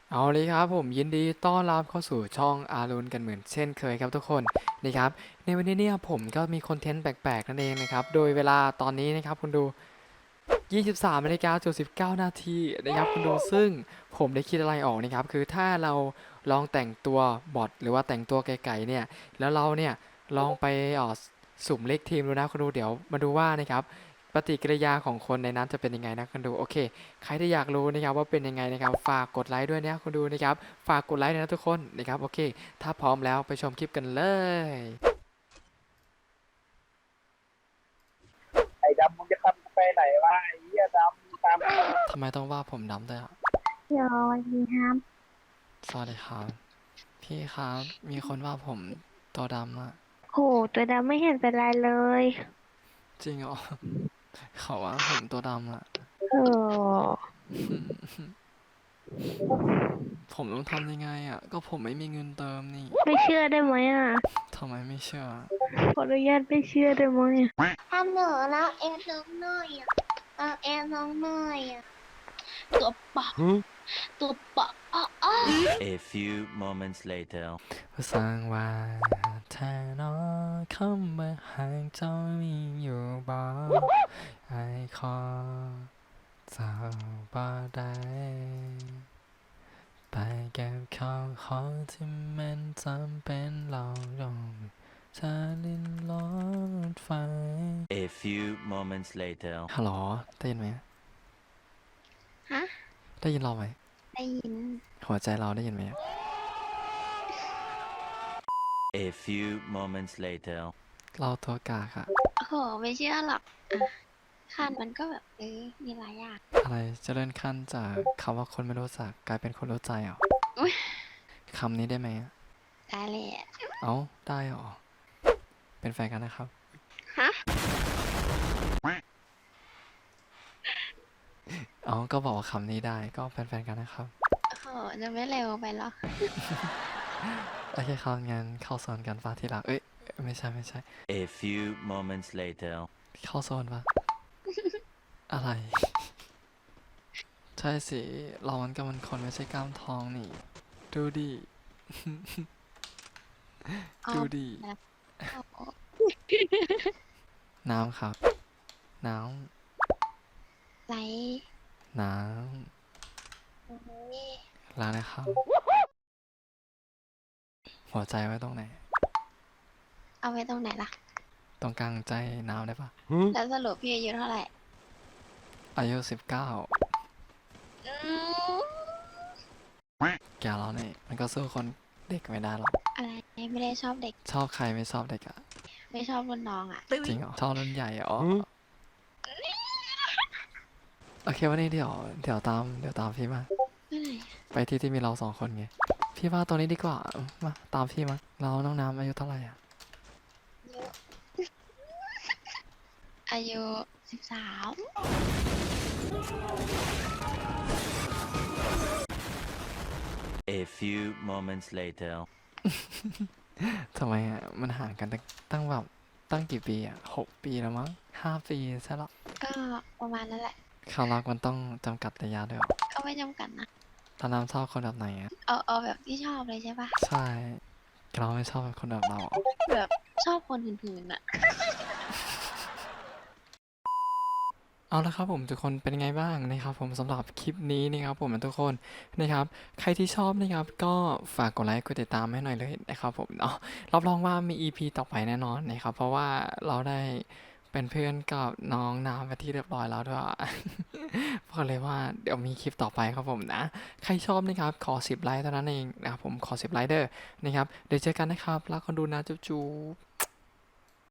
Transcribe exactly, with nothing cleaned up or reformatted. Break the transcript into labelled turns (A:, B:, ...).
A: เอาเลยครับผมยินดีต้อนรับเข้าสู่ช่องอารุณกันเหมือนเช่นเคยครับทุกคนนะครับในวันนี้เนี่ยผมก็มีคอนเทนต์แปลกๆนั่นเองนะครับโดยเวลาตอนนี้นะครับคุณดูยี่สิบสามนาฬิกาสิบเก้านาทีนะครับคุณดูซึ่งผมได้คิดอะไรออกนะครับคือถ้าเราลองแต่งตัวบอทหรือว่าแต่งตัวไก่ๆเนี่ยแล้วเราเนี่ยลองไปเอ่อสุ่มเลขทีมดูนะคุณดูเดี๋ยวมาดูว่านะครับปฏิกิริยาของคนในนั้นจะเป็นยังไงนะคุณดูโอเค ใครที่อยากรู้นะครับว่าเป็นยังไงนะครับฝากกดไลค์ด้วยนะคุณดูนะครับฝากกดไลค์ด้วยนะทุกคนนะครับโอเคถ้าพร้อมแล้วไปชมคลิปกันเลย
B: ไอ้ดำมึงจะทำกูไปไหนวะไอ้เหี้ยดำมึงตามกู
A: ทำไมต้องว่าผมดำด้วยอ่ะ
C: เดี๋ยวสวัสดีครับ
A: สวัสดีครับพี่ครับมีคนว่าผมตัวดำอ่ะ
C: โหตัวดำไม่เห็นเป็นไรเลย
A: จริงเหรอเขาว่าผมตัวดำอ่ะ
C: เออ
A: ผมต้องทำยังไงอ่ะก็ผมไม่มีเงินเติมนี่
C: ไม่เชื่อได้ไหมอ่ะ
A: ทำไมไม่เชื่อ
C: ขออนุญาตไม่เชื่อได้ไหม
D: ฮัลโหลแล้วแอนน้องหน่อยอ่ะเราแอนน้องหน่อยอ่ะตัวปะตัวปะอ้ออ้อ
E: A few moments later.
A: สร้างว่าแทนอคำว่าห่างเจ้ามีอยู่บ่ไอคอเจ้าบ่ได้ ไปเก็บข้าวของที่มันจำเป็นเราลงเธอลิ้นรถไฟ
E: A few moments later.
A: ฮัลโหลได้ยินไหม
D: ฮะ
A: ได้ยินเราไหม
D: ได้ยิน
A: หัวใจเราได้ยินไหม
E: A few moments later.
A: เราตัวกากอะ
D: โอ้โหไม่เชื่อหรอกอ่ะคันมันก็แบบเออมีหลายอย่าง
A: อะไรจะเลื่อนขั้นจากคำว่าคนไม่รู้จักกลายเป็นคนรู้ใจเหรอ
D: อุ๊ย
A: คำนี้ได้ไหม
D: ได้เลยอะ
A: เอ้าได้เหรอเป็นแฟนกันนะครับ
D: ฮะ
A: เอ้าก็บอกว่าคำนี้ได้ก็เป็นแฟนกันนะครับ
D: โอ้โหจะไม่เร็วไปหรอ
A: โอเคครับงั้นเข้าโซนกันฟ้าที่รักเอ้ยไม่ใช่ไม่ใช่
E: A few moments later.
A: เข้าโซนปะ อะไร ใช่สิเรามันก็มันคนไม่ใช่กล้ามทองนี่ ดูดิ
D: เอา
A: ดูดิ
D: โอ้โห
A: น้ำครับ น้
D: ไหล
A: ำ น้
D: โอ้ย
A: ำล้างนะครับ หัวใจไว้ตรงไหน
D: เอาไว้ตรงไหนล่ะ
A: ตรงกลางใจน้ำได้ปะ
D: แล้วสรุปพี่อายุเท่าไหร่
A: อายุสิบเก้า
D: อืม
A: แกเราเนี่ยมันก็สู้คนเด็กไม่ได้หรอก
D: อะไรไม่ได้ชอบเด็ก
A: ชอบใครไม่ชอบเด็กอะ
D: ไม่ชอบรุ่นน้องอ่ะ
A: จริงเหรอชอบรุ่นใหญ่เหรอโอเควันนี้เดี๋ยวเดี๋ยวตามเดี๋ยวตามพี่มา
D: เมื่อไหร่
A: ไปที่ที่มีเราสองคนไง พี่ว่าตัวนี้ดีกว่า มาตามพี่มา เราน้องน้ำอายุเท่าไหร่อะ
D: อายุสิบสาม
E: A few moments later.
A: ทำไมอะมันห่างกันตั้งตั้งแบบตั้งกี่ปีอะหกปีแล้วมั้งห้าปีใช่หรอ
D: ก็ประมาณนั้นแหละ
A: ความรักมันต้องจำกัดระยะด้วยเหรอ
D: ก็ไม่จำกัดนะ
A: ตอนน้ำชอบคนแบบไหนอะ
D: เอาเอาแบบที่ชอบเลยใช่ปะ
A: ใช่เราไม่ชอบคนแบบเราอะ
D: แบบชอบคนหื่นๆอ่ะ
A: เอาละครับผมทุกคนเป็นยังไงบ้างนะครับผมสำหรับคลิปนี้นะครับผมทุกคนนะครับใครที่ชอบนะครับก็ฝากกดไลค์กดติดตามให้หน่อยเลยนะครับผมเนาะรับรองว่ามี อี พี ต่อไปแน่นอนนะครับเพราะว่าเราได้เป็นเพื่อนกับน้องน้ำไปที่เรียบร้อยแล้วด้วย บอกเลยว่าเดี๋ยวมีคลิปต่อไปครับผมนะใครชอบนะครับขอสิบไลค์เท่านั้นเองนะครับผมขอสิบไลค์เด้อนะครับเดี๋ยวเจอกันนะครับแล้วก็ดูนะจุ๊บ